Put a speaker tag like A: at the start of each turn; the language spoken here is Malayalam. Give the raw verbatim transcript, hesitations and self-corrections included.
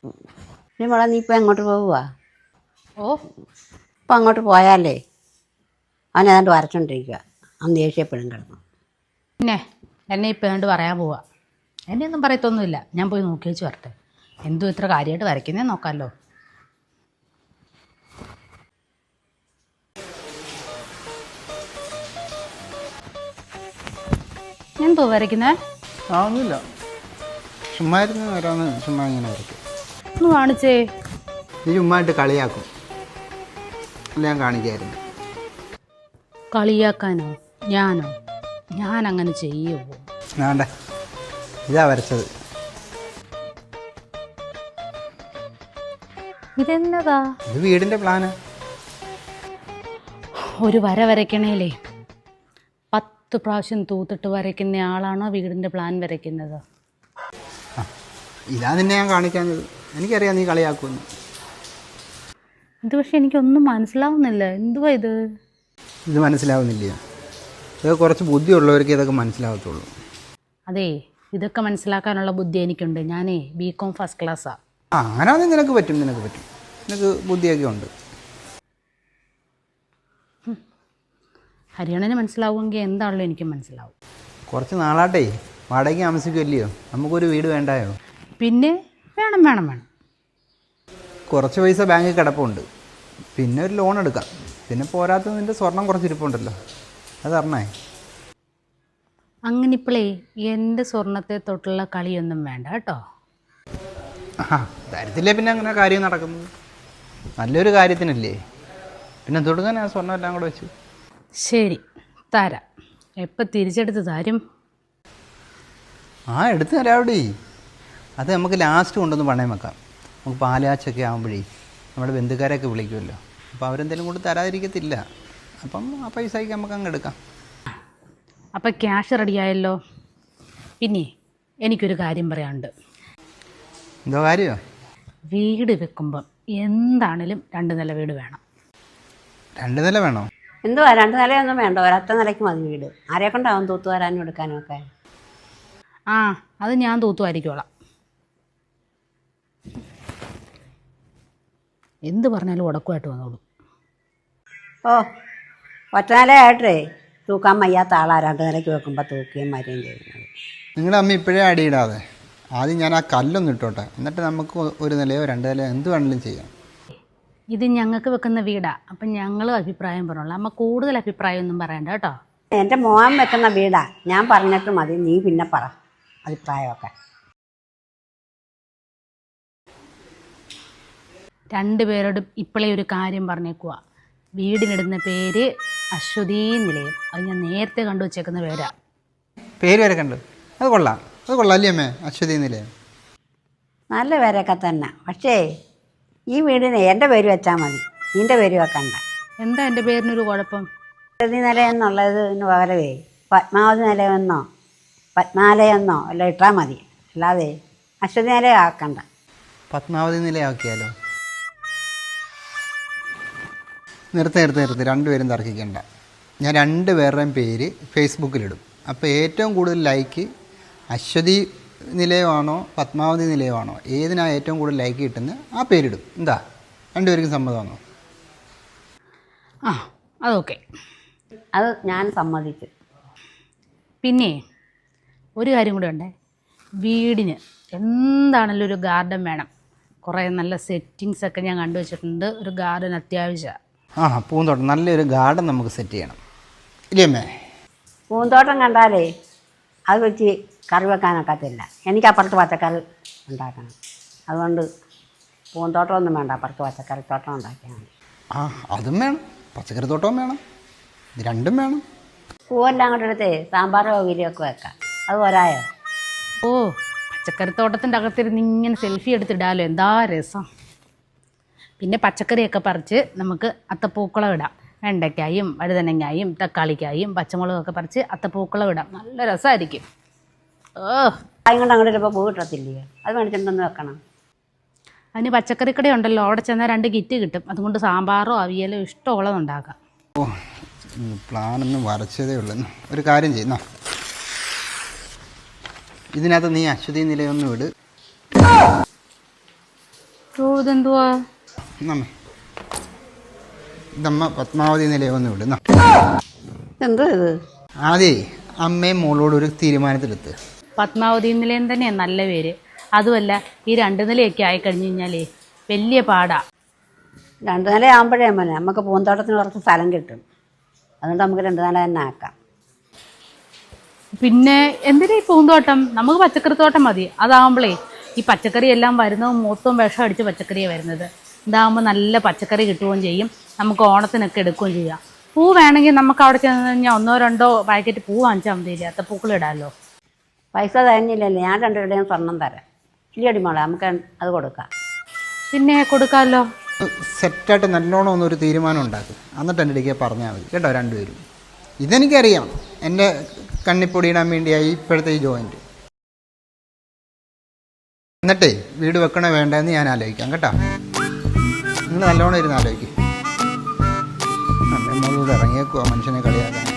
A: നീ മോളെ നീ ഇപ്പം എങ്ങോട്ട് പോവുക?
B: ഓ
A: ഇപ്പം അങ്ങോട്ട് പോയാലേ അവൻ ഏതാണ്ട് വരച്ചോണ്ടിരിക്കുക. അവൻ ദേഷ്യപ്പെടും കിടന്നു.
B: പിന്നെ എന്നെ ഇപ്പം ഏതാണ്ട് പറയാൻ പോവാ. എന്നെ ഒന്നും പറയത്തൊന്നുമില്ല. ഞാൻ പോയി നോക്കി വെച്ച് വരട്ടെ. എന്തോ ഇത്ര കാര്യമായിട്ട് വരയ്ക്കുന്നേ നോക്കാമല്ലോ. എന്തോ വരയ്ക്കുന്നേ?
C: ആ ഒന്നുമില്ല, ചുമ്മാ ഇരുന്ന് വരാമെന്ന് ചുമ്മാ ഇങ്ങനെ വരയ്ക്കും.
B: ഒന്ന് കാണിച്ചേ.
C: നീ ചുമ്മായിട്ട് കളിയാക്കും അല്ല, ഞാൻ കാണിക്കായിരുന്നു.
B: കളിയാക്കാനോ? ഞാനോ? ഞാൻ അങ്ങനെ ചെയ്യുമോ?
C: വേണ്ട, ഇതാ വരച്ചത്.
B: ഇതെന്നതാ?
C: ഇത് വീടിൻ്റെ പ്ലാന്.
B: ഒരു വര വരയ്ക്കണേലേ പത്ത് പ്രാവശ്യം തൂത്തിട്ട് വരയ്ക്കുന്ന ആളാണോ വീടിൻ്റെ പ്ലാൻ വരയ്ക്കുന്നത്?
C: ആ ഇതാ നിന്നെ ഞാൻ കാണിക്കാഞ്ഞത്. എനിക്കറിയാം നീ കളിയാക്കുമെന്ന്.
B: ഇത് പക്ഷെ എനിക്കൊന്നും മനസ്സിലാവുന്നില്ല. എന്തുവാ ഇത്?
C: ഇത് മനസ്സിലാവുന്നില്ല. ഇതൊക്കെ കുറച്ച് ബുദ്ധിയുള്ളവർക്ക് ഇതൊക്കെ മനസ്സിലാവത്തുള്ളൂ.
B: അതെ, ഇതൊക്കെ മനസ്സിലാക്കാനുള്ള ബുദ്ധി എനിക്കുണ്ട്. ഞാനേ ബി കോം ഫസ്റ്റ് ക്ലാസ്സാണ്.
C: ആ അങ്ങനെയാണെങ്കിൽ നിനക്ക് പറ്റും, നിനക്ക് പറ്റും. നിനക്ക് ബുദ്ധിയൊക്കെ ഉണ്ട്.
B: ഹരിയാണന് മനസ്സിലാവുമെങ്കിൽ എന്താണല്ലോ എനിക്ക് മനസ്സിലാവും.
C: കുറച്ച് നാളാട്ടെ വാടകയ്ക്ക് താമസിക്കുമല്ലയോ, നമുക്കൊരു വീട് വേണ്ടായോ?
B: പിന്നെ വേണം വേണം വേണം.
C: കുറച്ച് പൈസ ബാങ്കിൽ കിടപ്പുണ്ട്, പിന്നെ ഒരു ലോൺ എടുക്കാം. പിന്നെ പോരാത്ത നിൻ്റെ സ്വർണം കുറച്ച് ഇരിപ്പുണ്ടല്ലോ, അത് അറിഞ്ഞേ.
B: അങ്ങനെ ഇപ്പോഴേ എൻ്റെ സ്വർണത്തെ തൊട്ടുള്ള കളിയൊന്നും വേണ്ട കേട്ടോ.
C: ആ തരത്തില്ലേ, പിന്നെ അങ്ങനെ കാര്യം നടക്കുന്നത് നല്ലൊരു കാര്യത്തിനല്ലേ. പിന്നെ തൊടുക്കാൻ ആ സ്വർണ്ണം എല്ലാം കൂടെ വെച്ചു.
B: ശരി, തരാം. എപ്പോൾ തിരിച്ചെടുത്ത് തരും?
C: ആ എടുത്ത് തരാവിടെ. അത് നമുക്ക് ലാസ്റ്റ് കൊണ്ടൊന്ന് പണയം വെക്കാം. നമുക്ക് പാലാച്ചൊക്കെ ആകുമ്പോഴേ നമ്മുടെ ബന്ധുക്കാരെയൊക്കെ വിളിക്കുമല്ലോ, അപ്പോൾ അവരെന്തെങ്കിലും കൊണ്ട് തരാതിരിക്കത്തില്ല. അപ്പം ആ പൈസയ്ക്ക് നമുക്ക് അങ്ങ് എടുക്കാം.
B: അപ്പം ക്യാഷ് റെഡിയായല്ലോ. പിന്നെ എനിക്കൊരു കാര്യം പറയാനുണ്ട്.
C: എന്തോ കാര്യമോ?
B: വീട് വെക്കുമ്പം എന്താണേലും രണ്ട് നില വീട് വേണം.
C: രണ്ട് നില വേണോ?
A: എന്തുവാ രണ്ട് നിലയൊന്നും വേണ്ട, ഒരൊറ്റ നിലയ്ക്ക് മതി വീട്. ആരെ കൊണ്ടാവും തൂത്തു വരാനും എടുക്കാനും ഒക്കെ?
B: ആ അത് ഞാൻ തൂത്തുമായിരിക്കോളാം. എന്ത് പറഞ്ഞാലും ഉടക്കുമായിട്ട് വന്നോളൂ.
A: ഓ ഒറ്റ നിലയായിട്ടേ തൂക്കാൻ വയ്യാത്ത ആളാ രണ്ട് നിലയ്ക്ക് വെക്കുമ്പോൾ തൂക്കുകയും മരുകയും ചെയ്യുന്നത്.
C: നിങ്ങളുടെ അമ്മ ഇപ്പോഴേ അടിയിടാതെ ആദ്യം ഞാൻ ആ കല്ലൊന്നും ഇട്ടോട്ടെ, എന്നിട്ട് നമുക്ക് ഒരു നിലയോ രണ്ട് നിലയോ എന്ത് വേണമെങ്കിലും ചെയ്യാം.
B: ഇത് ഞങ്ങൾക്ക് വെക്കുന്ന വീടാ, അപ്പം ഞങ്ങളും അഭിപ്രായം പറഞ്ഞോളാം. അമ്മ കൂടുതൽ അഭിപ്രായമൊന്നും പറയണ്ട കേട്ടോ.
A: എൻ്റെ മോൻ വെക്കുന്ന വീടാ, ഞാൻ പറഞ്ഞിട്ട് മതി, നീ പിന്നെ പറ അഭിപ്രായമൊക്കെ.
B: രണ്ടുപേരോടും ഇപ്പോഴേ ഒരു കാര്യം പറഞ്ഞേക്കുക. വീടിനിടുന്ന പേര് അശ്വതീ നിലയം. അത് ഞാൻ നേരത്തെ കണ്ടു വച്ചേക്കുന്ന പേരാ.
C: പേര് വരെ കണ്ടു, അത് കൊള്ളാം, അത് കൊള്ളാം അല്ലേ അമ്മേ? അശ്വതി നിലയം
A: നല്ല പേരൊക്കെ തന്നെ. പക്ഷേ ഈ വീടിന് എൻ്റെ പേര് വെച്ചാൽ മതി, നിൻ്റെ പേര് വെക്കണ്ട.
B: എന്താ എൻ്റെ പേരിനൊരു കുഴപ്പം?
A: അശ്വതി നിലയെന്നുള്ളതിന് പകരമേ പത്മാവതി നിലയെന്നോ പത്മാലയെന്നോ എല്ലാം ഇട്ടാൽ മതി, അല്ലാതെ അശ്വതി നിലയം ആക്കണ്ട.
C: പത്മാവതി നിലയാക്കിയാലോ? നിർത്തി നിർത്തി നിർത്തി രണ്ടുപേരും തർക്കിക്കണ്ട. ഞാൻ രണ്ട് പേരുടെയും പേര് ഫേസ്ബുക്കിലിടും. അപ്പോൾ ഏറ്റവും കൂടുതൽ ലൈക്ക് അശ്വതി നിലയമാണോ പത്മാവതി നിലയമാണോ, ഏതിനാ ഏറ്റവും കൂടുതൽ ലൈക്ക് കിട്ടുന്നത് ആ പേരിടും. എന്താ രണ്ടുപേർക്കും സമ്മതമാണോ?
B: ആ അതൊക്കെ,
A: അത് ഞാൻ സമ്മതിച്ചു.
B: പിന്നെ ഒരു കാര്യം കൂടെ ഉണ്ടേ. വീടിന് എന്താണെങ്കിലും ഒരു ഗാർഡൻ വേണം. കുറേ നല്ല സെറ്റിങ്സ് ഒക്കെ ഞാൻ കണ്ടുവച്ചിട്ടുണ്ട്. ഒരു ഗാർഡൻ അത്യാവശ്യമാണ്.
C: ആ പൂന്തോട്ടം, നല്ലൊരു ഗാർഡൻ നമുക്ക് സെറ്റ് ചെയ്യണം ഇല്ലേ അമ്മേ?
A: പൂന്തോട്ടം കണ്ടാലേ അത് വെച്ച് കറി വെക്കാനൊക്കത്തില്ല. എനിക്ക് അപ്പുറത്ത് പച്ചക്കറി ഉണ്ടാക്കണം. അതുകൊണ്ട് പൂന്തോട്ടമൊന്നും വേണ്ട, അപ്പുറത്ത് പച്ചക്കറി തോട്ടം ഉണ്ടാക്കിയാൽ മതി.
C: ആ അതും വേണം, പച്ചക്കറി തോട്ടവും വേണം, ഇത് രണ്ടും വേണം.
A: പൂവെല്ലാം കൂടെ എടുത്തേ സാമ്പാറോ ഉരിയൊക്കെ വെക്കാം. അത് പോരായോ?
B: ഓ പച്ചക്കറിത്തോട്ടത്തിൻ്റെ അകത്തിരുന്ന് ഇങ്ങനെ സെൽഫി എടുത്തിടാലോ, എന്താ രസം. പിന്നെ പച്ചക്കറിയൊക്കെ പറിച്ച് നമുക്ക് അത്തപ്പൂക്കളം ഇടാം. വെണ്ടയ്ക്കായും വഴുതനങ്ങായും തക്കാളിക്കായും പച്ചമുളകൊക്കെ പറിച്ച് അത്തപ്പൂക്കളം ഇടാം. നല്ല രസമായിരിക്കും. ഓ
A: കായും കൊണ്ട് അങ്ങോട്ട് ഇപ്പോൾ പൂ കിട്ടത്തില്ലയോ, അത് മേടിച്ചിട്ടൊന്ന് വെക്കണം.
B: അതിന് പച്ചക്കറിക്കട ഉണ്ടല്ലോ, അവിടെ ചെന്നാൽ രണ്ട് കിറ്റ് കിട്ടും. അതുകൊണ്ട് സാമ്പാറോ അവിയലോ ഇഷ്ടമുള്ളത് ഉണ്ടാക്കാം.
C: ഓ പ്ലാനൊന്നും വരച്ചതേ ഉള്ളൂ. ഒരു കാര്യം ചെയ്യുന്ന, ഇതിനകത്ത് നീ അശ്വതി നിലയൊന്നും ഇട്.
B: ഓ ഇതെന്തുവാ?
C: നമ്മ ഇതമ്മ പത്മാവതി നിലയൊന്ന് വിടുന്ന.
A: എന്തോ ഇത്?
C: ആദ്യേ അമ്മയും മോളോട് ഒരു തീരുമാനത്തിലെത്ത്.
B: പത്മാവതി നിലയം തന്നെയാണ് നല്ല പേര്. അതുമല്ല ഈ രണ്ട് നിലയൊക്കെ ആയി കഴിഞ്ഞു കഴിഞ്ഞാലേ വലിയ പാടാ.
A: രണ്ട് നില ആകുമ്പോഴേ മോനെ നമുക്ക് പൂന്തോട്ടത്തിന് കുറച്ച് സ്ഥലം കിട്ടും. അതുകൊണ്ട് നമുക്ക് രണ്ട് നില തന്നെ ആക്കാം.
B: പിന്നെ എന്തിനാ ഈ പൂന്തോട്ടം? നമുക്ക് പച്ചക്കറി തോട്ടം മതി. അതാകുമ്പോഴേ ഈ പച്ചക്കറി എല്ലാം വരുന്നതും മൊത്തം വിഷം അടിച്ച് പച്ചക്കറിയാണ് വരുന്നത്. ഇതാകുമ്പോൾ നല്ല പച്ചക്കറി കിട്ടുകയും ചെയ്യും. നമുക്ക് ഓണത്തിനൊക്കെ എടുക്കുകയും ചെയ്യാം. പൂ വേണമെങ്കിൽ നമുക്ക് അവിടെ ചെന്ന് കഴിഞ്ഞാൽ ഒന്നോ രണ്ടോ പാക്കറ്റ് പൂ വാങ്ങിച്ചാൽ മതിയില്ലേ, അത്തപ്പൂക്കൾ ഇടാമല്ലോ.
A: പൈസ തരുന്നില്ലല്ലേ? ഞാൻ രണ്ടുപേരുടെയും സ്വർണം തരാം. ഇല്ലടി മോളെ, നമുക്ക് അത് കൊടുക്കാം.
B: പിന്നെ കൊടുക്കാമല്ലോ.
C: സെറ്റായിട്ട് നല്ലോണം ഒന്നൊരു തീരുമാനം ഉണ്ടാക്കും. എന്നിട്ട് എൻ്റെ ഇടയ്ക്ക് പറഞ്ഞാൽ മതി കേട്ടോ രണ്ടുപേരും. ഇതെനിക്കറിയാം, എൻ്റെ കണ്ണിപ്പൊടിയിടാൻ വേണ്ടിയായി ഇപ്പോഴത്തെ ഈ ജോയിൻറ്റ്. എന്നിട്ടേ വീട് വെക്കണോ വേണ്ടതെന്ന് ഞാൻ ആലോചിക്കാം കേട്ടോ. നിങ്ങൾ നല്ലോണം ഇരുന്ന് ആലോചിക്കും. അമ്മ മോളോട് ഇറങ്ങിയേക്കുവാ മനുഷ്യനെ കളിയാക്കാൻ.